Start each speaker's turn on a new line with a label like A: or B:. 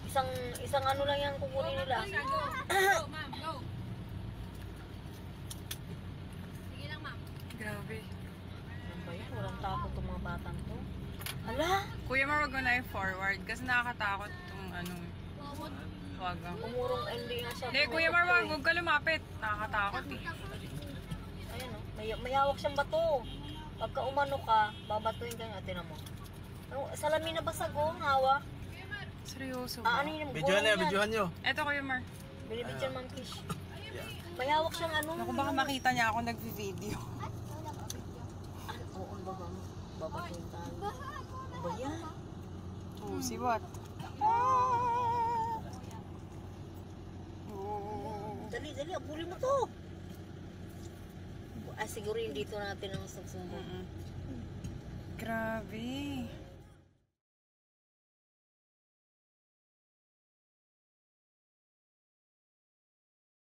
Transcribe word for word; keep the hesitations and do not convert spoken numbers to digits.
A: Isang, isang ano lang yung kukunin nila.
B: Go, go, ma'am, go. Sige lang, ma'am.
C: Grabe.
A: Ano ba yan? Walang takot itong mga batang to. Hala!
C: Kuya Mar, wag mo na i-forward kasi nakakatakot itong ano. Wag ang.
A: Umurong hindi nga siya.
C: Hindi, Kuya Mar, wag, wag ka lumapit. Nakakatakot eh.
A: Ayan o, may, may hawak siyang bato. Pagka umano ka, babatuin ka nga, tinan mo. Ano, salamin na basag o, hawak.
C: Seryoso
A: Ah,
C: ba?
A: ano yun?
D: Videohan niyo, videohan niyo.
C: Eto, Kuya Mar.
A: Binibidyan Ma'am Kish. May hawak siyang ano.
C: Naku, baka makita niya ako nag-video.
A: Ano? Oo, ano ba ba? Babatuin tayo. Ano ba yan?
C: Oh, si what?
A: Dali, dali, abulin mo to. Ah, siguro yung dito natin ang susumbong.
C: Grabe.